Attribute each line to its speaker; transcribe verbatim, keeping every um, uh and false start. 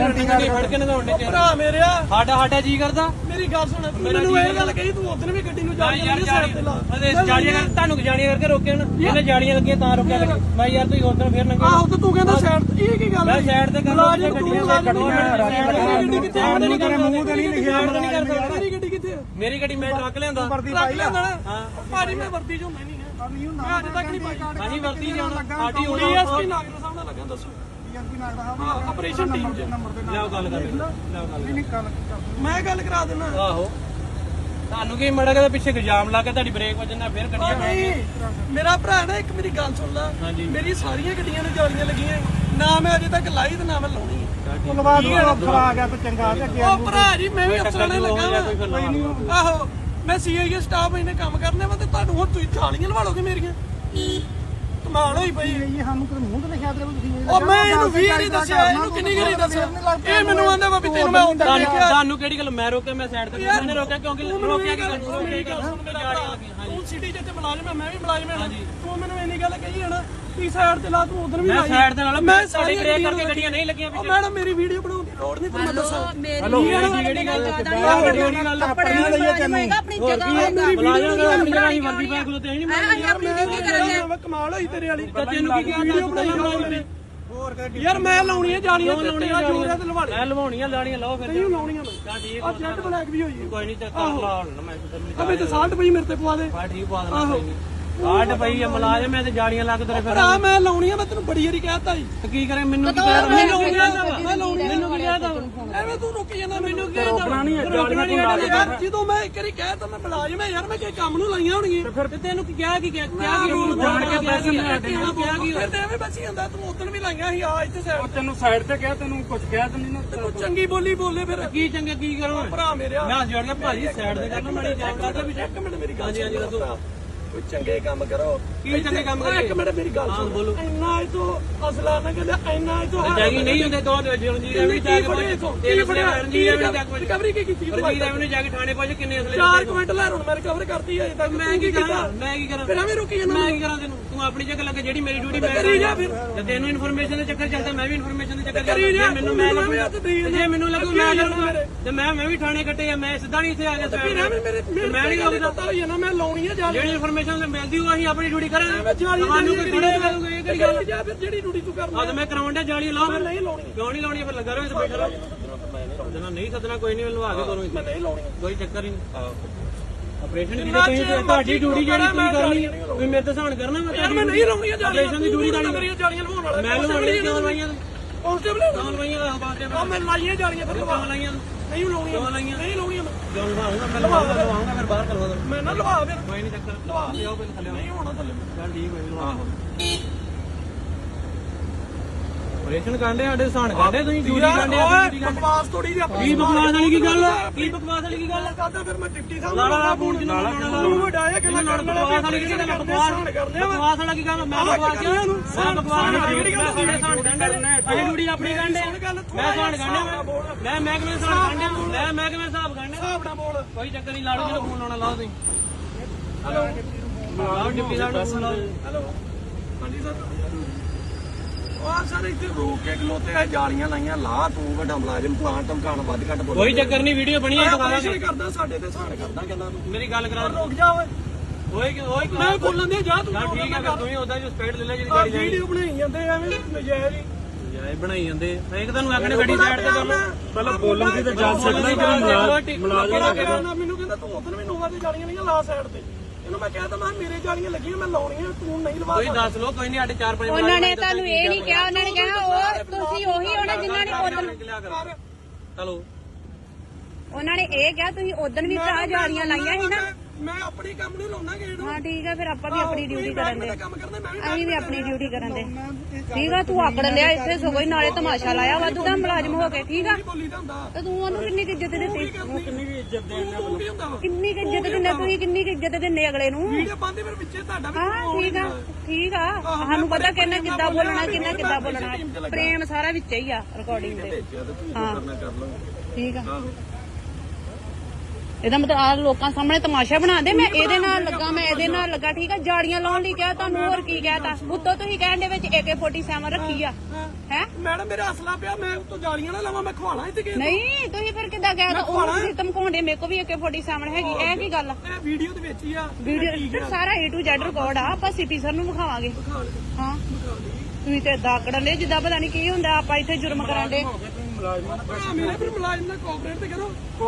Speaker 1: ਫੜ ਕੇ ਨਗਾਉਣੇ
Speaker 2: ਭਰਾ ਮੇਰਿਆ
Speaker 1: ਸਾਡਾ ਸਾਡਾ ਜੀ ਕਰਦਾ
Speaker 2: ਮੇਰੀ ਗੱਲ ਸੁਣ ਮੈਨੂੰ ਇਹ ਗੱਲ ਕਹੀ ਤੂੰ ਉਦੋਂ ਵੀ ਗੱਡੀ ਨੂੰ ਜਾ
Speaker 1: ਯਾਰ ਜਾਲੀਆਂ ਕਰ ਤੁਹਾਨੂੰ ਜਾਲੀਆਂ ਕਰਕੇ ਰੋਕਿਆ ਨਾ ਇਹਨੇ ਜਾਲੀਆਂ ਲੱਗੀਆਂ ਤਾਂ ਰੋਕਿਆ ਗੱਡੀ ਮੈਂ ਯਾਰ ਤੁਸੀਂ ਉਦੋਂ ਫੇਰ ਨੰਗੇ
Speaker 2: ਆਹੋ ਤੇ ਤੂੰ ਕਹਿੰਦਾ ਸਾਈਡ ਤੇ ਇਹ ਕੀ ਗੱਲ
Speaker 1: ਮੈਂ ਸਾਈਡ ਤੇ ਕਰਦਾ ਗੱਡੀਆਂ
Speaker 2: ਗੱਡੀ ਕਿੱਥੇ
Speaker 1: ਸਾਈਡ ਨਹੀਂ ਕਰਦਾ ਮੂੰਹ ਤੇ ਨਹੀਂ ਲਿਖਿਆ
Speaker 2: ਨਹੀਂ ਕਰਦਾ ਮੇਰੀ ਗੱਡੀ ਕਿੱਥੇ
Speaker 1: ਮੇਰੀ ਗੱਡੀ ਮੈਂ ਟਰੱਕ ਲਿਆਂਦਾ
Speaker 2: ਟਰੱਕ ਲਿਆਂਦਾ ਹਾਂ ਭਾਜੀ ਮੈਂ ਵਰਦੀ ਚੋਂ ਮੈਂ ਨਹੀਂ ਮੈਂ ਅੱਜ ਤੱਕ ਨਹੀਂ ਪਾਈ
Speaker 1: ਹਾਂਜੀ ਵਰਦੀ ਜਾਣਾ ਸਾਡੀ
Speaker 2: ਹੋਣੀ ਐਸਪੀ ਨਾਗਰ ਸਾਹਿਬ ਨਾਲ ਲੱਗਾ ਦੱਸੋ ਆਪਰੇਸ਼ਨ ਟੀਮ ਚ
Speaker 1: ਲਿਆਓ ਗੱਲ ਕਰ ਲਿਆਓ ਗੱਲ
Speaker 2: ਮੈਂ ਗੱਲ ਕਰਾ ਦਿੰਦਾ
Speaker 1: ਆਹੋ ਤੁਹਾਨੂੰ ਕੀ ਮੜਾ ਕੇ ਪਿੱਛੇ ਇਲਜ਼ਾਮ ਲਾ ਕੇ ਤੁਹਾਡੀ ਬ੍ਰੇਕ ਵੱਜਣਾ ਫਿਰ ਗੱਡੀਆਂ
Speaker 2: ਨਹੀਂ ਮੇਰਾ ਭਰਾ ਨਾ ਇੱਕ ਮੇਰੀ ਗੱਲ ਸੁਣ ਲੈ ਮੇਰੀ ਸਾਰੀਆਂ ਗੱਡੀਆਂ ਨੂੰ ਜਾਲੀਆਂ ਲੱਗੀਆਂ ਨਾ ਮੈਂ ਅਜੇ ਤੱਕ ਲਾਈ ਤੇ ਨਾ ਮੈਂ ਲਾਉਣੀ
Speaker 3: ਧੰਨਵਾਦ ਅਫਸਰ ਆ ਗਿਆ ਤੇ ਚੰਗਾ ਤੇ ਅੱਗੇ
Speaker 2: ਉਹ ਭਰਾ ਜੀ ਮੈਂ ਵੀ ਅਫਸਰਾਂ ਨੇ ਲੱਗਾ ਵਾ ਆਹੋ ਮੈਂ ਸੀਆਈਏ ਸਟਾਫ ਇਹਨੇ ਕੰਮ ਕਰਨੇ ਵਾ ਤੇ ਤੁਹਾਨੂੰ ਹੁਣ ਤੁਸੀਂ ਜਾਲੀਆਂ ਲਵਾ ਲੋਗੇ ਮੇਰੀਆਂ ਕਮਾਲ ਹੋਈ ਪਈ
Speaker 3: ਇਹ ਸਾਨੂੰ ਕੋਈ ਮੂੰਹ ਤੇ ਲਿਖਿਆ ਦੇ ਤੁਸੀਂ
Speaker 2: ਉਹ ਮੈਂ ਇਹਨੂੰ ਵੀ ਨਹੀਂ ਦੱਸਿਆ ਇਹਨੂੰ ਕਿੰਨੀ ਗਰੀ ਦੱਸਿਆ ਇਹ ਮੈਨੂੰ ਆਂਦਾ ਵਾ ਵੀ ਤੈਨੂੰ ਮੈਂ ਹੁੰਦਾ ਦੇਖਿਆ
Speaker 1: ਤੁਹਾਨੂੰ ਕਿਹੜੀ ਗੱਲ ਮੈਂ ਰੋਕਿਆ ਮੈਂ ਸਾਈਡ ਤੇ ਮੈਨੇ ਰੋਕਿਆ ਕਿਉਂਕਿ ਰੋਕਿਆ ਕਿ
Speaker 2: ਤੂੰ ਸਿਟੀ ਜਿੱਤੇ ਮੁਲਾਜ਼ਮ ਹੈ ਮੈਂ ਵੀ ਮੁਲਾਜ਼ਮ ਹਾਂ ਤੂੰ ਮੈਨੂੰ ਇੰਨੀ ਗੱਲ ਕਹੀ ਹੈ ਨਾ ਤੀ ਸਾਈਡ ਤੇ ਲਾ ਤੂੰ ਉਧਰ ਵੀ
Speaker 1: ਮੈਂ ਸਾਈਡ ਦੇ ਨਾਲ ਮੈਂ ਸਾਡੀ ਬ੍ਰੇਕ ਕਰਕੇ ਗੱਡੀਆਂ ਨਹੀਂ ਲੱਗੀਆਂ
Speaker 2: ਪਿੱਛੇ ਮੈਡਮ ਮੇਰੀ ਵੀਡੀਓ ਬਣਾਉਣ ਦੀ ਲੋੜ ਨਹੀਂ ਤੁਹਾਨੂੰ ਦੱਸਾਂ
Speaker 1: ਹੈਲੋ ਕਿਹੜੀ ਗੱਲ ਕਿਹੜੀ ਗੱਲ
Speaker 3: ਆਪਣੀ ਲਈਏ ਤੈਨੂੰ
Speaker 2: ਆਪਣੀ ਜਗ੍ਹਾ
Speaker 1: ਮੁਲਾਜ਼ਮ ਦਾ ਆਪਣੀ ਜਗ੍ਹਾ ਹੀ ਵਰਦੀ ਪਾ ਖਲੋਤੇ ਨਹੀਂ ਮੈਂ
Speaker 2: ਯਾਰ ਮੈਂ ਕਮਾਲ ਹੋਈ ਤੇਰੇ ਵਾਲੀ
Speaker 1: ਤੈਨੂੰ ਕੀ ਕਿਹਾ
Speaker 2: ਵੀਡੀਓ ਬਣਾਈ ਮੇਰੀ ਯਾਰ ਮੈਂ ਲਾਉਣੀਆਂ ਜਾਲੀਆਂ ਲਾਉਣੀਆਂ ਜੋੜਿਆ ਤੇ ਲਵਾੜੇ
Speaker 1: ਮੈਂ ਲਵਾਉਣੀਆਂ ਲਾਣੀਆਂ ਲਾਓ ਫਿਰ
Speaker 2: ਨਹੀਂ ਲਾਉਣੀਆਂ ਮੈਂ
Speaker 1: ਤਾਂ ਠੀਕ
Speaker 2: ਆ ਜੈਟ ਬਲੈਕ ਵੀ ਹੋਈ
Speaker 1: ਕੋਈ ਨਹੀਂ ਤੇ ਕਰ ਲਾ ਹੁਣ ਮੈਂ
Speaker 2: ਅਬੇ ਤੇ ਸਾਲਟ ਪਈ ਮੇਰੇ ਤੇ ਪਵਾ ਦੇ
Speaker 1: ਹਾਂ ਠੀਕ ਪਾ ਦੇਣਾ ਕੋਈ ਨਹੀਂ ਕਾਟ ਪਈ ਆ ਮੁਲਾਜ਼ਮ ਐ ਤੇ ਜਾਲੀਆਂ ਲੱਗ ਤੇਰੇ ਫਿਰ
Speaker 2: ਆ ਮੈਂ ਲਾਉਣੀਆਂ ਮੈਂ ਤੈਨੂੰ ਬੜੀ ਵਾਰੀ ਕਹਿਤਾ ਜੀ
Speaker 1: ਤੇ ਕੀ ਕਰੇ ਮੈਨੂੰ ਕੀ ਕਹਿ
Speaker 2: ਮੈਂ ਲਾਉਣੀਆਂ ਮੈਂ ਲਾਉਣੀਆਂ
Speaker 1: ਮੈਨੂੰ ਕੀ ਕਹਿਦਾ
Speaker 2: ਐਵੇਂ ਤੂੰ ਰੁਕ ਜਾਂਦਾ ਮੈਨੂੰ ਕੀ ਰੋਕਣਾ ਨਹੀਂ ਯਾਰ ਜਦੋਂ ਮੈਂ ਇੱਕ ਵਾਰੀ ਕਹਿਤਾ ਮੈਂ ਮੁਲਾਜ਼ਮ ਐ ਯਾਰ ਮੈਂ ਕਿ ਕੰਮ ਨੂੰ ਲਾਈਆਂ ਹੋਣਗੀਆਂ
Speaker 1: ਫਿਰ ਤੈਨੂੰ ਕੀ ਕਿਹਾ ਕੀ ਕਿਹਾ ਕੀ ਰੂਲ ਜਾਣ ਕੇ ਪੈਸੇ ਲੈ ਕੇ ਕਿਹਾ ਕੀ
Speaker 2: ਫਿਰ ਤੇ ਐਵੇਂ ਬਚੀ ਜਾਂਦਾ ਤੂੰ ਉਦੋਂ ਵੀ ਲਾਈਆਂ ਸੀ ਆ ਇੱਥੇ ਸਾਈਡ
Speaker 3: ਤੈਨੂੰ ਸਾਈਡ ਤੇ ਕਿਹਾ ਤੈਨੂੰ ਕੁਝ ਕਿਹਾ ਤੈਨੂੰ ਨਾ
Speaker 2: ਤੂੰ ਚੰਗੀ ਬੋਲੀ ਬੋਲੇ ਫਿਰ
Speaker 1: ਕੀ ਚੰਗਾ ਕੀ ਕਰੋ
Speaker 2: ਭਰਾ ਮੇਰਿਆ
Speaker 1: ਮੈਂ ਜੋੜ ਕੇ ਭਾਜੀ ਸਾਈਡ ਤੇ ਕਰਨਾ ਮਾੜੀ ਚੈੱਕ ਕਰਦਾ ਵੀ
Speaker 2: ਇੱਕ ਮਿੰਟ ਮੇਰੀ ਗੱਲ ਹਾਂਜੀ ਦੱਸੋ ਕੋਈ ਚੰਗੇ ਕੰਮ ਕਰੋ
Speaker 1: ਕੀ ਚੰਗੇ ਕੰਮ ਕਰੀਏ
Speaker 2: ਇੱਕ ਮਿੰਟ ਮੇਰੀ ਗੱਲ ਸੁਣ ਬੋਲੋ ਇੰਨਾ ਇਹ ਤੋਂ ਅਸਲਾ ਨਾ ਕਹਿੰਦਾ ਇੰਨਾ ਇਹ ਤੋਂ
Speaker 1: ਜਾਗੀ ਨਹੀਂ ਹੁੰਦੇ ਦੋ ਜਲਜੀਰ ਐਵੇਂ ਜਾ ਕੇ
Speaker 2: ਕੀ ਫੜਿਆ ਰਣਜੀਤ ਐਵੇਂ ਜਾ ਕੇ ਰਿਕਵਰੀ ਕੀ ਕੀਤੀ
Speaker 1: ਰਣਜੀਤ ਐਵੇਂ ਜਾ ਕੇ ਥਾਣੇ ਪਹੁੰਚ ਕਿੰਨੇ ਅਸਲੇ
Speaker 2: ਚਾਰ ਕੁਇੰਟਲ ਲੈ ਹੁਣ ਮੈਂ ਰਿਕਵਰ ਕਰਤੀ ਹੈ ਤੱਕ
Speaker 1: ਮੈਂ ਕੀ ਕਰਾਂ ਮੈਂ ਕੀ ਕਰਾਂ
Speaker 2: ਫਿਰ ਐਵੇਂ ਰੁਕੀ ਜਾਂਦਾ
Speaker 1: ਮੈਂ ਕੀ ਕਰਾਂ ਤੈਨੂੰ ਤੂੰ ਆਪਣੀ ਜਗ੍ਹਾ ਲੱਗੇ ਜਿਹੜੀ ਮੇਰੀ ਡਿਊਟੀ ਮੈਂ
Speaker 2: ਕਰੀ ਜਾ ਫਿਰ
Speaker 1: ਤੇ ਤੈਨੂੰ ਇਨਫੋਰਮੇਸ਼ਨ ਦੇ ਚੱਕਰ ਚੱਲਦਾ ਮੈਂ ਵੀ ਇਨਫੋਰਮੇਸ਼ਨ ਦੇ ਚੱਕਰ
Speaker 2: ਕਰੀ ਜਾ
Speaker 1: ਮੈਨੂੰ ਮੈਂ ਜੇ ਮੈਨੂੰ ਲੱਗੂ ਮੈਂ ਲੱਗੂ ਤੇ ਮੈਂ ਮੈਂ ਵੀ ਥਾਣੇ ਕੱਟੇ ਆ ਮੈਂ ਸਿੱਧਾ ਨਹੀਂ ਇੱਥੇ ਆ ਗਿਆ
Speaker 2: ਫਿਰ ਐਵੇਂ ਮੇਰੇ
Speaker 1: ਮੈਂ ਨਹੀਂ
Speaker 2: ਲੱਗਦਾ ਪਤਾ ਹੋਈ ਨਾ ਮੈਂ ਲਾਉਣੀ ਹੈ ਜਾ
Speaker 1: ਜਿਹੜੀ ਇਨਫੋਰਮੇਸ਼ਨ ਮਿਲਦੀ ਉਹ ਅਸੀਂ ਆਪਣੀ ਡਿਊਟੀ ਕਰਾਂਗੇ
Speaker 2: ਤੁਹਾਨੂੰ ਕੋਈ ਥੋੜੇ ਮਿਲੂਗੇ ਇਹ ਕਿਹੜੀ ਗੱਲ ਜਾ ਫਿਰ ਜਿਹੜੀ ਡਿਊਟੀ ਤੂੰ ਕਰਨਾ
Speaker 1: ਅੱਜ ਮੈਂ ਕਰਾਉਣ ਦਾ ਜਾਲੀ ਲਾਓ
Speaker 2: ਮੈਂ ਨਹੀਂ ਲਾਉਣੀ
Speaker 1: ਕਿਉਂ ਨਹੀਂ ਲਾਉਣੀ ਫਿਰ ਲੱਗਾ ਰਹੇ ਤੇ ਬੈਠਾ ਰਹੋ ਸੱਦਣਾ ਨਹੀਂ ਸੱਦਣਾ ਕੋਈ ਨਹੀਂ ਲਵਾ ਕੇ ਤੁਹਾਨੂੰ
Speaker 2: ਮੈਂ ਨਹੀਂ ਲਾਉਣੀ
Speaker 1: ਕੋਈ ਚੱਕਰ ਹੀ ਨਹੀਂ ਆਪਰੇਸ਼ਨ ਦੀ ਤੁਸੀਂ ਤੁਹਾਡੀ ਡਿਊਟੀ ਜਿਹੜੀ ਤੁਸੀਂ ਕਰਨੀ ਤੁਸੀਂ ਮੇਰੇ ਤੇ ਸਹਾਨ ਕਰਨਾ ਮੈਂ
Speaker 2: ਯਾਰ ਮੈਂ ਨਹੀਂ ਲਾਉਣੀ
Speaker 1: ਆਪਰੇਸ਼ਨ ਦੀ ਡਿਊਟੀ ਤਾਂ
Speaker 2: ਮੇਰੀਆਂ ਜਾਲੀਆਂ ਲਵਾਉਣ ਵਾਲਾ
Speaker 1: ਮੈਂ ਲਵਾਉਣੀ ਕਿਉਂ ਲਵਾਈਆਂ
Speaker 2: ਕਾਂਸਟੇਬਲ
Speaker 1: ਕਿਉਂ ਲਵਾਈਆਂ ਦਾ ਬਾਅਦ
Speaker 2: ਆ ਮੈਂ ਲਾਈਆਂ ਜਾਲੀਆਂ ਫਿਰ ਲਵਾ
Speaker 1: ਲਾਈਆਂ
Speaker 2: ਨਹੀਂ ਲਾਉਣੀਆਂ ਨਹੀਂ ਲਾਉਣੀਆਂ
Speaker 1: ਜਦੋਂ ਲਵਾਉਂਗਾ ਮੈਂ ਲਵਾਉਂਗਾ ਫਿਰ ਬਾਹਰ ਕਰਵਾ ਦਾਂ
Speaker 2: ਮੈਂ ਨਾ ਲਵਾ ਫਿਰ
Speaker 1: ਕੋਈ ਨਹੀਂ ਚੱਕਰ ਲਵਾ ਲਿਓ ਪਹਿਲੇ ਥੱਲੇ
Speaker 2: ਨਹੀਂ ਹੋਣਾ ਥੱਲੇ
Speaker 1: ਚੱਲ ਠੀਕ ਹੋਈ ਲਵਾ ਆਪਰੇਸ਼ਨ ਕਾਂਡੇ ਸਾਡੇ ਸਹਾਨ ਕਾਂਡੇ ਤੁਸੀਂ ਡਿਊਟੀ ਕਾਂਡੇ
Speaker 2: ਓਏ ਬਕਵਾਸ ਥੋੜੀ ਜਿਹੀ ਆਪਣੀ
Speaker 1: ਕੀ ਬਕਵਾਸ ਵਾਲੀ ਕੀ ਗੱਲ ਕੀ ਬਕਵਾਸ ਵਾਲੀ ਕੀ ਗੱਲ
Speaker 2: ਕਰਦਾ ਫਿਰ ਮੈਂ ਡਿਪਟੀ ਸਾਹਿਬ
Speaker 1: ਲਾ ਲਾ ਫੋਨ ਜਿੰਨਾ ਲਾਉਣਾ
Speaker 2: ਨੂੰ ਵਡਾਇਆ ਕਿ ਮੈਂ ਕਰਨ
Speaker 1: ਬਕਵਾਸ ਵਾਲੀ ਕੀ ਗੱਲ ਬਕਵਾਸ ਬਕਵਾਸ ਵਾਲਾ ਕੀ ਗੱਲ ਮੈਂ ਬਕਵਾਸ ਕਿਹਾ ਇਹਨੂੰ ਮੈਂ ਬਕਵਾਸ ਵਾਲੀ ਗੱਲ ਸਾਡੇ ਸਹਾਨ ਕਾਂਡੇ ਅਸੀਂ ਡਿਊਟੀ ਆਪਣੀ ਕਾਂਡੇ ਮੈਂ ਸਹਾਨ ਕਾਂਡੇ ਮੈਂ ਮਹਿਕਮੇ ਸਹਾਨ ਕਾਂਡੇ ਮੈਂ ਮਹਿਕਮੇ ਹਿਸਾਬ ਕਾਂਡੇ
Speaker 2: ਹਿਸਾਬ ਨਾਲ ਬੋਲ
Speaker 1: ਕੋਈ ਚੱਕਰ ਨਹੀਂ ਲਾੜੂ ਜਿਹਨੂੰ ਫੋਨ ਲਾਉਣਾ ਲਾਓ ਤੁਸੀਂ ਹੈਲੋ ਲਾਓ ਡਿਪਟੀ ਸਾਹਿਬ ਨੂੰ ਫੋਨ ਲਾਓ
Speaker 2: ਹੈਲੋ ਹਾਂਜੀ ਸਰ ਉਹ ਸਰ ਇੱਥੇ ਰੋਕ ਕੇ ਖਲੋਤੇ ਆ ਜਾਲੀਆਂ ਲਾਈਆਂ ਲਾ ਤੂੰ ਵੱਡਾ ਮੁਲਾਜ਼ਮ ਪਲਾਂਟ ਧਮਕਾਣ ਵੱਧ ਘੱਟ ਬੋਲ
Speaker 1: ਕੋਈ ਚੱਕਰ ਨਹੀਂ ਵੀਡੀਓ ਬਣੀ ਹੈ ਦੁਬਾਰਾ
Speaker 2: ਆਪਰੇਸ਼ਨ ਕਰਦਾ ਸਾਡੇ ਤੇ ਸਹਾਨ ਕਰਦਾ ਕਹਿੰਦਾ ਤੂੰ
Speaker 1: ਮੇਰੀ ਗੱਲ ਕਰਾ
Speaker 2: ਰੁਕ ਜਾ ਓਏ
Speaker 1: ਓਏ ਕਿ ਓਏ
Speaker 2: ਮੈਂ ਬੋਲਣ ਦੇ ਜਾ ਤੂੰ
Speaker 1: ਠੀਕ ਹੈ ਫਿਰ ਤੂੰ ਹੀ ਉਦਾਂ ਜੋ ਸਪੀਡ ਲੈ ਲੈ ਜਿਹੜੀ ਗਾੜੀ ਜਾਣੀ
Speaker 2: ਵੀਡੀਓ ਬਣਾਈ ਜਾਂਦੇ ਐਵੇਂ ਨਜਾਇਜ਼ ਹੀ
Speaker 1: ਜਾਏ ਬਣਾਈ ਜਾਂਦੇ ਮੈਂ ਇੱਕ ਤੁਹਾਨੂੰ ਆਖਣੇ ਗੱਡੀ ਸਾਈਡ ਤੇ ਕਰ ਲਓ
Speaker 3: ਪਹਿਲਾਂ ਬੋਲਣ ਦੀ ਤਾਂ ਜਾ ਸਕਦਾ ਹੀ
Speaker 2: ਮੁਲਾਜ਼ਮ ਮੈਨੂੰ ਕਹਿੰਦਾ ਤੂੰ ਉਦੋਂ ਵੀ ਨੋਵਾ ਤੇ ਜਾਲੀਆਂ ਨਹੀਂ ਲਾ ਸਾਈਡ ਤੇ ਇਹਨੂੰ ਮੈਂ ਕਹਿਤਾ ਮੈਂ ਮੇਰੇ ਜਾਲੀਆਂ ਲੱਗੀਆਂ ਮੈਂ ਲਾਉਣੀਆਂ ਤੂੰ ਨਹੀਂ ਲਵਾ
Speaker 1: ਕੋਈ ਦੱਸ ਲੋ ਕੋਈ ਨਹੀਂ ਸਾਡੇ ਚਾਰ ਪੰਜ
Speaker 4: ਉਹਨਾਂ ਨੇ ਤੁਹਾਨੂੰ ਇਹ ਨਹੀਂ ਕਿਹਾ ਉਹਨਾਂ ਨੇ ਕਿਹਾ ਉਹ ਤੁਸੀਂ ਉਹੀ ਹੋਣਾ ਜਿਨ੍ਹਾਂ ਨੇ ਉਦੋਂ
Speaker 1: ਚਲੋ
Speaker 4: ਉਹਨਾਂ ਨੇ ਇਹ ਕਿਹਾ ਤੁਸੀਂ ਉਦੋਂ ਵੀ ਭਰਾ ਜਾਲੀਆਂ ਲਾਈਆਂ ਸੀ ਨਾ
Speaker 2: ਮੈਂ ਆਪਣੀ ਕੰਮ ਨਹੀਂ ਲਾਉਣਾ ਗੇੜ
Speaker 4: ਹਾਂ ਠੀਕ ਆ ਫਿਰ ਆਪਾਂ ਵੀ ਆਪਣੀ ਡਿਊਟੀ ਕਰਨ ਦੇ
Speaker 2: ਕੰਮ ਕਰਦਾ ਮੈਂ ਵੀ
Speaker 4: ਅਸੀਂ ਵੀ ਆਪਣੀ ਡਿਊਟੀ ਕਰਨ ਦੇ ਠੀਕ ਆ ਤੂੰ ਆਕੜ ਲਿਆ ਇੱਥੇ ਸਗੋਂ ਹੀ ਨਾਲੇ ਤਮਾਸ਼ਾ ਲਾਇਆ ਵਾਧੂ ਦਾ ਮੁਲਾਜ਼ਮ ਹੋ ਕੇ ਠੀਕ ਆ
Speaker 2: ਬੋਲੀ ਦਾ ਹੁੰਦਾ
Speaker 4: ਤੇ ਤੂੰ ਉਹਨੂੰ ਕਿੰਨੀ ਕੁ ਇੱਜ਼ਤ ਦਿੱਤੀ
Speaker 2: ਕਿੰਨੀ ਵੀ ਇੱਜ਼ਤ ਦੇਣਾ ਤੂੰ ਕੀ ਹੁੰਦਾ ਵਾ
Speaker 4: ਕਿੰਨੀ ਕੁ ਇੱਜ਼ਤ ਦਿੰਦੇ ਤੁਸੀਂ ਕਿੰਨੀ ਕੁ ਇੱਜ਼ਤ ਦਿੰਦੇ ਅਗਲੇ ਨੂੰ
Speaker 2: ਵੀਡੀਓ ਪਾਉਂਦੇ ਫਿਰ ਵਿੱਚੇ ਤੁਹਾਡਾ ਵੀ
Speaker 4: ਹਾਂ ਠੀਕ ਆ ਠੀਕ ਆ ਸਾਨੂੰ ਪਤਾ ਕਿੰਨਾ ਕਿੱਦਾਂ ਬੋਲਣਾ ਕਿੰਨਾ ਕਿੱਦਾਂ ਬੋਲਣਾ ਪ੍ਰੇਮ ਸਾਰਾ ਵਿੱਚ ਹੀ ਆ ਰਿਕਾਰਡਿੰਗ ਦੇ ਹਾਂ ਠੀਕ ਆ ਇਹਦਾ ਮਤਲਬ ਆ ਲੋਕਾਂ ਸਾਹਮਣੇ ਤਮਾਸ਼ਾ ਬਣਾ ਦੇ। ਮੈਂ ਇਹਦੇ ਨਾਲ ਲੱਗਾ, ਮੈਂ ਇਹਦੇ ਨਾਲ ਲੱਗਾ, ਠੀਕ ਆ। ਜਾੜੀਆਂ ਲਾਉਣ ਲਈ ਕਿਹਾ ਤੁਹਾਨੂੰ, ਹੋਰ ਕੀ ਕਹਿਤਾ? ਉੱਤੋਂ ਤੁਸੀਂ ਕਹਿਣ ਦੇ ਵਿੱਚ ਏ ਕੇ ਸੈਂਤਾਲੀ ਰੱਖੀ ਆ ਹੈ।
Speaker 2: ਮੈਡਮ ਮੇਰਾ ਅਸਲਾ ਪਿਆ, ਮੈਂ ਉੱਤੋਂ ਜਾਲੀਆਂ ਨਾ ਲਾਵਾਂ, ਮੈਂ ਖਵਾਣਾ ਇੱਥੇ ਕਿਸੇ ਨੂੰ।
Speaker 4: ਨਹੀਂ ਤੁਸੀਂ ਫਿਰ ਕਿੱਦਾਂ ਕਹਿਤਾ? ਉਹ ਤੁਸੀਂ ਧਮਕਾਉਂਦੇ, ਮੇਰੇ ਕੋਲ ਵੀ ਏ ਕੇ ਸੈਂਤਾਲੀ ਹੈਗੀ। ਇਹ ਕੀ ਗੱਲ ਆ?
Speaker 2: ਇਹ ਵੀਡੀਓ ਦੇ ਵਿੱਚ ਹੀ ਆ
Speaker 4: ਵੀਡੀਓ ਸਾਰਾ ਏ ਟੂ ਜ਼ੈਡ ਰਿਕਾਰਡ ਆ। ਆਪਾਂ ਸਿਟੀ ਸਰ ਨੂੰ ਵਿਖਾਵਾਂਗੇ। ਹਾਂ ਤੁਸੀਂ ਤੇ ਏਦਾਂ ਆਕੜਨ ਦੇ ਜਿੱਦਾਂ ਪਤਾ ਨਹੀਂ ਕੀ ਹੁੰਦਾ। ਆਪਾਂ ਇੱਥੇ ਜੁਰਮ ਕਰਾਂਗੇ।
Speaker 2: ਭਰਾ ਮੇਰੇ ਫਿਰ ਮੁਲਾਜ਼ਮ ਨਾਲ ਕੋਆਪਰੇਟ ਤੇ ਕਰੋ।